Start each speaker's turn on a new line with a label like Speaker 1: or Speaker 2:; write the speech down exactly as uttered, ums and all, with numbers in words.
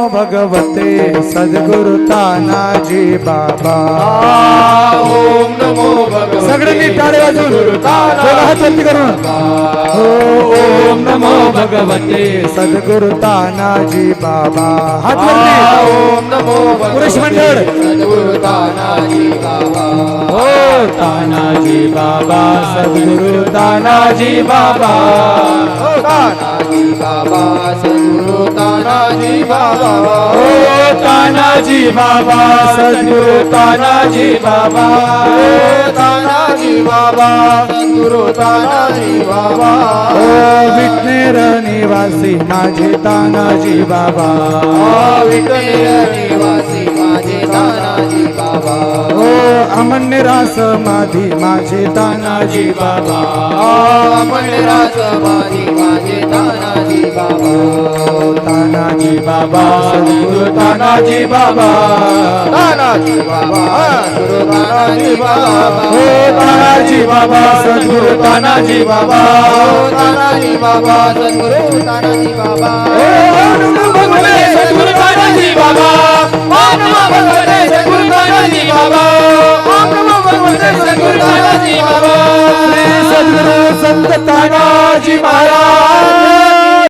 Speaker 1: भगवते सद्गुरु तानाजी बाबा।
Speaker 2: ओम नमो भगवते
Speaker 1: सगळ्यांनी टाळे वाजवून दोघं हात वरती करून ओम नमो भगवते सद्गुरु तानाजी बाबा। हात वरती
Speaker 2: ओम नमो
Speaker 1: पुरुष मंडळ
Speaker 2: सद्गुरु तानाजी बाबा।
Speaker 1: ओ तानाजी बाबा सद्गुरु तानाजी बाबा।
Speaker 2: ओ तानाजी बाबा सद्गुरु तानाजी बाबा।
Speaker 1: ओ तानाजी बाबा सद्गुरु तानाजी बाबा।
Speaker 2: ओ तानाजी बाबा सद्गुरु तानाजी बाबा।
Speaker 1: ओ विटनेर निवासी माझे तानाजी बाबा।
Speaker 2: ओ विटनेर निवासी माझे तानाजी बाबा।
Speaker 1: ओ अमन्यरा समाधी माझे तानाजी बाबा।
Speaker 2: अमन्यरा समाधी माझे तानाजी बाबा।
Speaker 1: तानाजी बाबा सद्गुरु तानाजी बाबा।
Speaker 2: तानाजी बाबा सद्गुरु तानाजी बाबा।
Speaker 1: ओ तानाजी बाबा सद्गुरु तानाजी बाबा।
Speaker 2: ओ तानाजी बाबा सद्गुरु तानाजी बाबा।
Speaker 1: ओ नमो भगवते
Speaker 2: सद्गुरु तानाजी बाबा। ओम नमो भगवते सद्गुरु तानाजी बाबा। ओम नमो भगवते सद्गुरु तानाजी बाबा।
Speaker 1: श्री सद्गुरु संत तानाजी महाराज